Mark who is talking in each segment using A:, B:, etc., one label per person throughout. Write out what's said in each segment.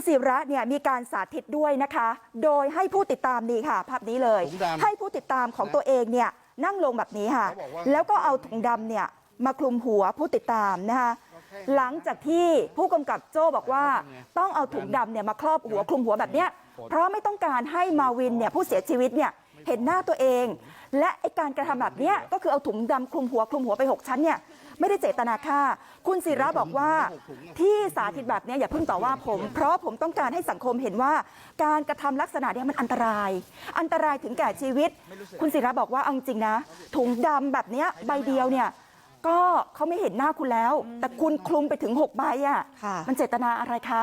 A: ศิระเนี่ยมีการสาธิตด้วยนะคะโดยให้ผู้ติดตามนี่ค่ะภาพนี้เลยให้ผู้ติดตามของตัวเองเนี่ยนั่งลงแบบนี้ค่ะแล้วก็เอาถุงดำเนี่ยมาคลุมหัวผู้ติดตามนะคะหลังจากที่ผู้กำกับโจ้บอกว่าต้องเอาถุงดำเนี่ยมาครอบหัวคลุมหัวแบบเนี้ยเพราะไม่ต้องการให้มาวินเนี่ยผู้เสียชีวิตเนี่ยเห็นหน้าตัวเองและไอการกระทำแบบนี้ก็คือเอาถุงดำคลุมหัวไป6ชั้นเนี่ยไม่ได้เจตนาฆ่าคุณศิระบอกว่าที่สาธิตแบบนี้อย่าเพิ่งต่อว่าผมเพราะผมต้องการให้สังคมเห็นว่าการกระทำลักษณะนี้มันอันตรายถึงแก่ชีวิตคุณศิระบอกว่าเอาจริงนะถุงดำแบบนี้ใบเดียวเนี่ยก็เขาไม่เห็นหน้าคุณแล้วแต่คุณคลุมไปถึง6ใบอ่ะมันเจตนาอะไรคะ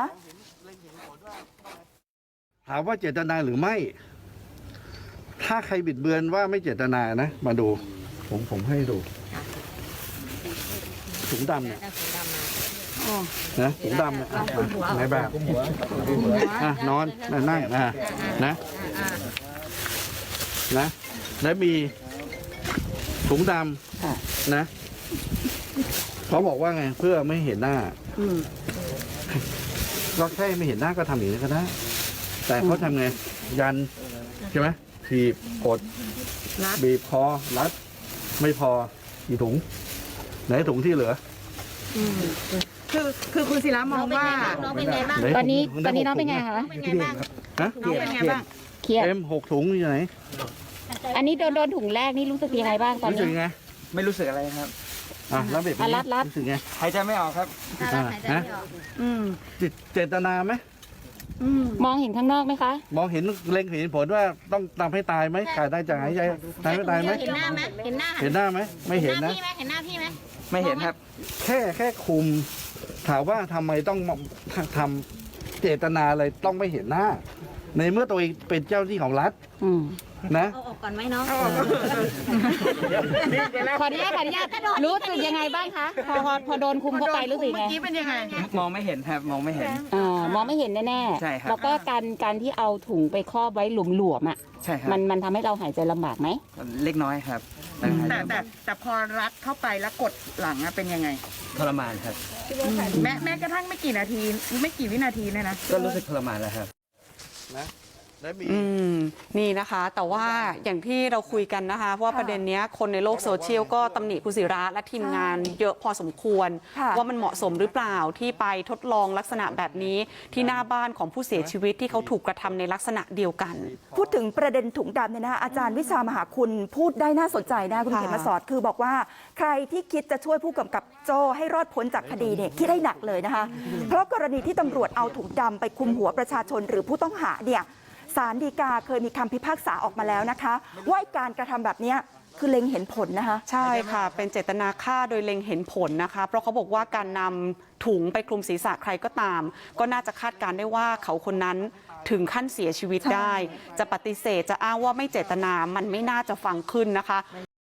B: ถามว่าเจตนาหรือไม่ถ้าใครบิดเบือนว่าไม่เจตนานะมาดูผมให้ดูถุงดำเนี่ยนะถุงดำเนี่ยในแบบนอนนั่งนะแล้วมีถุงดำนะเขาบอกว่าไงเพื่อไม่เห็นหน้าก็แค่ไม่เห็นหน้าก็ทำอย่างนี้ก็ได้แต่เขาทำไงยันใช่ไหมถีบกดบีบคอรัดไม่พอกี่ถุงไหนถุงที่เหลือ
C: คือคุณศิระมองว่า
D: น้องเป็นไงบ้าง
A: ตอนนี้น้องเป็นไงคะ
D: เป็นไงบ้าง
C: น้องเป็นไงบ้าง
A: เครียด
B: 6 ถุงอยู่ไหน
A: อันนี้โดนถุงแรกนี่รู้สึกยังไงบ้างตอนนี้
B: รู้สึกไง
C: ไม่รู้สึกอะไรครับ
B: แล้วเบ็ดรู้สึกไง
C: หายใจไม่ออกครับ
B: นะเจตนาไหม
A: มองเห็นข้างนอกไหมคะ
B: มองเห็นเล็งเห็นผลว่าต้องทำให้ตายไหมขาดได้จากหายใจตายไม่ตายไหม
D: เห็นหน้าไหมเห็นห
B: น้าไหมไม่เห็นนะ
D: เห็นหน้าพี่ไหม
C: ไม่เห็นครับ
B: แค่คุมถามว่าทำไมต้องทำเจตนาอะไรต้องไม่เห็นหน้าในเมื่อตัวเองเป็นเจ้าหน้าที่ของรัฐนะ
D: เอาออกก่อนไหมน้อง
A: ขออนุญาตรู้สึกยังไงบ้างคะพอโดนคุมเข้าไปรู้สึกไง
C: เมื่อกี้เป็นยังไงมองไม่เห็นครับมองไม่เห็น
A: มองไม่เห็นแน่ๆ
C: ใช่ครับ
A: แล้วก็การที่เอาถุงไปครอบไว้หลวมๆอ่ะ
C: ใช่ครับ
A: มันทำให้เราหายใจลำบากไหม
C: เล็กน้อยครับแต่พอรัดเข้าไปแล้วกดหลังเป็นยังไงทรมานครับแม้กระทั่งไม่กี่นาทีไม่กี่วินาทีเนี่ยนะก็รู้สึกทรมานแล้วครับ
B: นะ
E: นี่นะคะแต่ว่าอย่างที่เราคุยกันนะคะเพราะว่าประเด็นนี้คนในโลกโซเชียลก็ตำหนิคุณศิระและทีมงานเยอะพอสมควรว่ามันเหมาะสมหรือเปล่าที่ไปทดลองลักษณะแบบนี้ที่หน้าบ้านของผู้เสียชีวิตที่เขาถูกกระทำในลักษณะเดียวกัน
A: พูดถึงประเด็นถุงดำเนี่ยนะอาจารย์วิชามหาคุณพูดได้น่าสนใจนะคุณเขมสอนคือบอกว่าใครที่คิดจะช่วยผู้กำกับโจ้ให้รอดพ้นจากคดีเนี่ยคิดให้หนักเลยนะคะเพราะกรณีที่ตำรวจเอาถุงดำไปคลุมหัวประชาชนหรือผู้ต้องหาเนี่ยศาลฎีกาเคยมีคำพิพากษาออกมาแล้วนะคะว่าการกระทำแบบนี้คือเล็งเห็นผลนะคะ
E: ใช่ค่ะเป็นเจตนาฆ่าโดยเล็งเห็นผลนะคะเพราะเขาบอกว่าการนำถุงไปคลุมศีรษะใครก็ตามก็น่าจะคาดการได้ว่าเขาคนนั้นถึงขั้นเสียชีวิตได้จะปฏิเสธจะอ้างว่าไม่เจตนามันไม่น่าจะฟังขึ้นนะคะ